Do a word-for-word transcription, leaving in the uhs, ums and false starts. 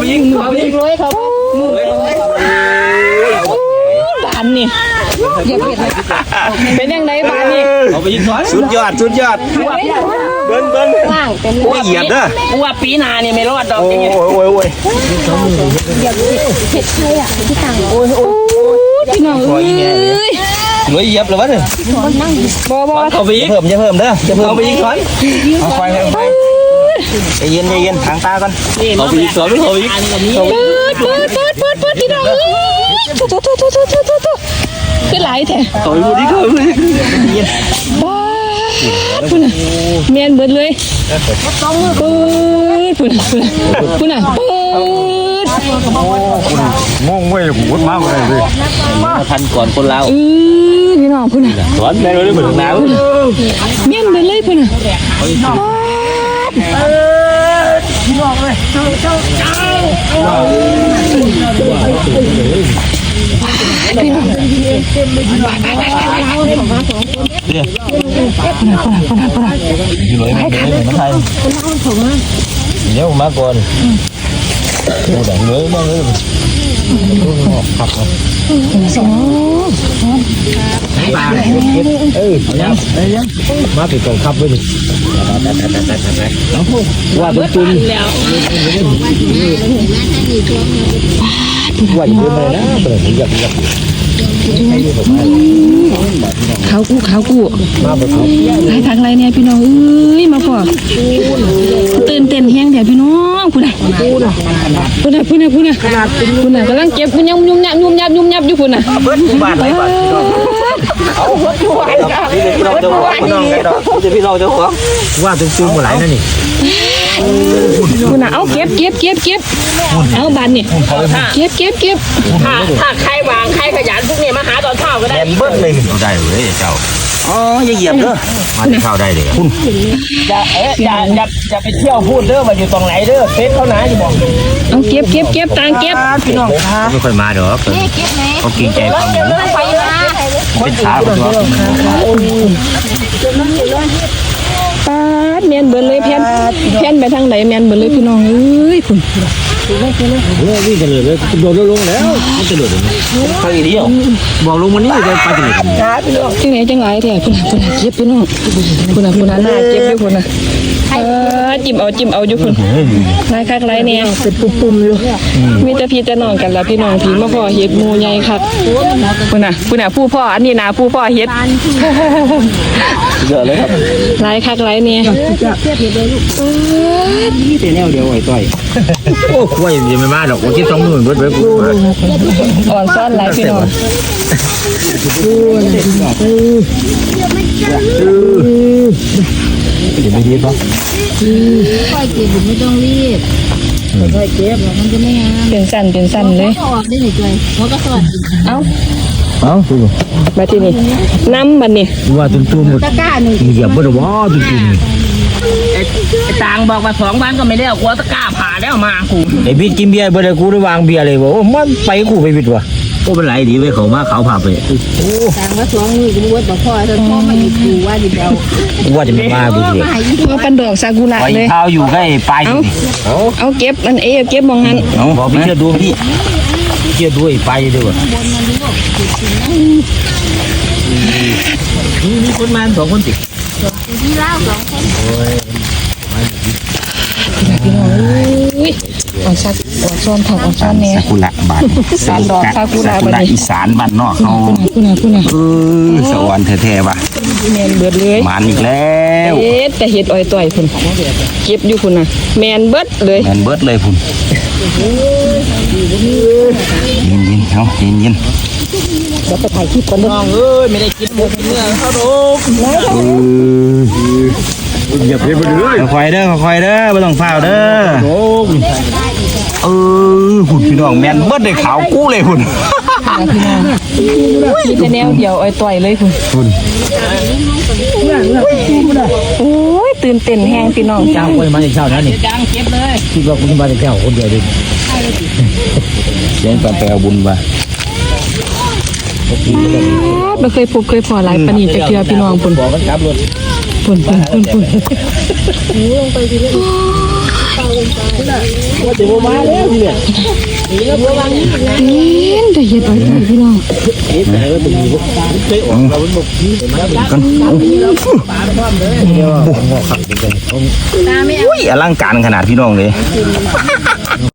ยิงเขายิงเลยเขาบานนี่อย่าเปลี่ยนเป็นยังไงบานนี่เขาไปยิงถอนสุดยอดสุดยอดเบิ้ลเบิ้ลโอ้ยเหยียบเด้อว่าปีนาเนี่ยไม่รอดดอกจริงโอ้ยโอ้ยโอ้ยเห็ดใครอ่ะที่ต่างโอ้ยโอ้ยพี่น้องเอ้ยรวยเหยียบเลยวะเนี่ยบ่บ่เขาไปยิงเพิ่มจะเพิ่มเด้อจะเพิ่มเขาไปยิงถอนเอาไฟเอาไฟใจเย็นใจเย็นทางตาก่อนเขาไปยิงสวนเขาไปยิงเปิดเปิดเปิดเปิดพี่น้องเอ้ยตุ๊ตุ๊ตุ๊ตุ๊ตุ๊ตุ๊ตุ๊ตุ๊ขึ้นไหลแท้ต่อยมือดีเขาเลยว้าพุ่นน่ะเมียนเบิดเลยเปิดพุ่นน่ะพุ่นน่ะเปิดงงเว้ยผมพูดมากเลยเลยทันก่อนคนเราเออพี่น้องพุ่นน่ะสอนแม่เลยเหมือนหนาวเมียนเบิดเลยพุ่นน่ะพี่น้องเลยเจ้าเจ้าเจ้าพี่น้องเนี่ยคนละคนละคนละคนละอยู่เลยไม่ได้เหมือนไทยเดี๋ยวมาก่อนเดี๋ยวเนื้อมาเลยขับครับสองเออยังยังมาติดกองขับด้วยดิว่าเป็นจุนว่าอยู่เลยนะเปิดอยากอยากเขากู้เขากู้ให้ทางไรเนี่ยพี่น้องเอ้ยมาพอตื่นเต้นแห้งเดี๋ยวพี่น้องพูดนะพูดนะพูดนะพูดนะพูดนะพูดนะกำลังเก็บมันยังยุ่มยับยุ่มยับยุ่มยับอยู่พูดนะเบิร์ดบ้านไหนบ้านเอาเบิร์ดบ้านพี่น้องจะหัวพี่น้องไงดอกจะพี่น้องจะหัวว่าตึงตึงมาไหลนั่นนี่พูดนะเอาเก็บเก็บเก็บเก็บเอาบานนี่เก็บเก็บเก็บถ้าถ้าใครวางใครขยันพวกนี้มาหาตอนเช้าก็ได้เบิร์ดเลยเอาได้เลยเจ้าอ๋ออย่าเหยียบเด้อมาที่เข้าได้เลยคุณอย่าเอ๊ะอย่าอย่าอย่าไปเที่ยวพูดเด้อว่าอยู่ตรงไหนเด้อเฟซเขาหนาจะบอกเอาเก็บเก็บเก็บตังเก็บพี่น้องไม่ค่อยมาเด้อเขาเกรงใจความเหมือนเป็นช้าคนตัวป้าเมียนเบิร์เลยเพี้ยนเพี้ยนไปทางไหนเมียนเบิร์เลยพี่น้องเอ้ยคุณวิ่งกันเลยเลยโดดลงแล้วมันจะโดดลงใครเดียวบอกลงวันนี้จะไปที่ไหนที่ไหนจังไรแท้คุณคุณเก็บพี่น้องคุณคุณหน้าเก็บอยู่คุณนะจิ้มเอาจิ้มเอาอยู่คุณนายคักไรเนี่ยเป็นปุ่มๆอยู่มีแต่พี่แต่น้องกันแล้วพี่น้องพี่มาพ่อเฮ็ดมูใหญ่คักคุณน่ะคุณน่ะผู้พ่ออันนี้นะผู้พ่อเฮ็ดเยอะเลยครับไรคักไรเนี่ยนี่แต่แนวเดียวไอ้ต้อยโอ้ยยังไม่มาดอกว่าคิดสองหมื่นเบิดเบิดกูอ่อนซ่อนไรพี่น้องเดี๋ยวไม่รีบป่ะค่อยเก็บไม่ต้องรีบค่อยเก็บมันจะไม่งามเป็นสั้นเป็นสั้นเลยออกได้หนึ่งตัวมันก็สวัสดีเอ้าเอ้าดูมาที่นี่น้ำมันนี่ว่าตุ้มตุ้มตะก้าหนึ่งเหยียบบ่ได้ว่าตุ้มตุ้มไอ้ต่างบอกว่าสองบ้านก็ไม่ได้เอากลัวตะก้าผ่าแล้วมากูไอ้บิดกินเบียร์บ่ได้กูได้วางเบียร์เลยบอกว่ามันไปกูไปบิดวะโอ้เป็นไรดีไว้เขามาเขาผ่าไปต่างว่าสองมือจะมวดต่อพ่อถ้าพ่อมาอยู่กูว่าจะเอาว่าจะไม่มาบุญเลยว่าปันดอกซากุระเลยเท้าอยู่ใกล้ปลายเอาเอาเก็บมันเอเก็บมองหันเอาบอกพี่จะดูพี่เชื่อด้วยไปด้วยมีคนมาสองคนติดที่เล่าสองคนโอ้ยพี่น้องอุ้ยอ่อนซักอ่อนซ้อนผักอ่อนซ้อนแน่ซากุระบานซาดอกซากุระบานอีสานบ้านนอกเขาคุณน่ะคุณน่ะเออสวรรค์แท้ๆว่ะแมนเบิดเลยมันอีกแล้วเอ๊ะแต่เห็ดอ้อยต่อยคุณเก็บอยู่คุณน่ะแมนเบิดเลยแมนเบิดเลยคุณเย็นเย็นเขาเย็นเย็นเดี๋ยวไปถ่ายคลิปกันน้องเอ้ยไม่ได้กินหมูเนื้อเขาดูอย่าเพิ่งไปเลยคอยเด้อคอยเด้อไม่ต้องเฝ้าเด้อเออหุ่นพี่น้องแมนเบิดได้ขาวกู้เลยหุ่นมีแต่แนวเดียวอ้อยต่อยเลยหุ่นหุ่นโอ้ยตื่นเต้นแห้งพี่น้องจ้าโอ้ยมาจากเช้านะนี่จ้างเก็บเลยคิดว่าคุณมาจากเช้าคนเดียวดิเลี้ยงปลาแปลบุญมาไม่เคยพบเคยพอหลายปนีจะเชื่อพี่น้องปุ่นปุ่นปุ่นปุ่นปุ่นว่าจะมาแล้วทีเนี่ยเป็นแต่เห็ดไว้ใจพี่น้องกันอุ้ยอลังการขนาดพี่น้องเลย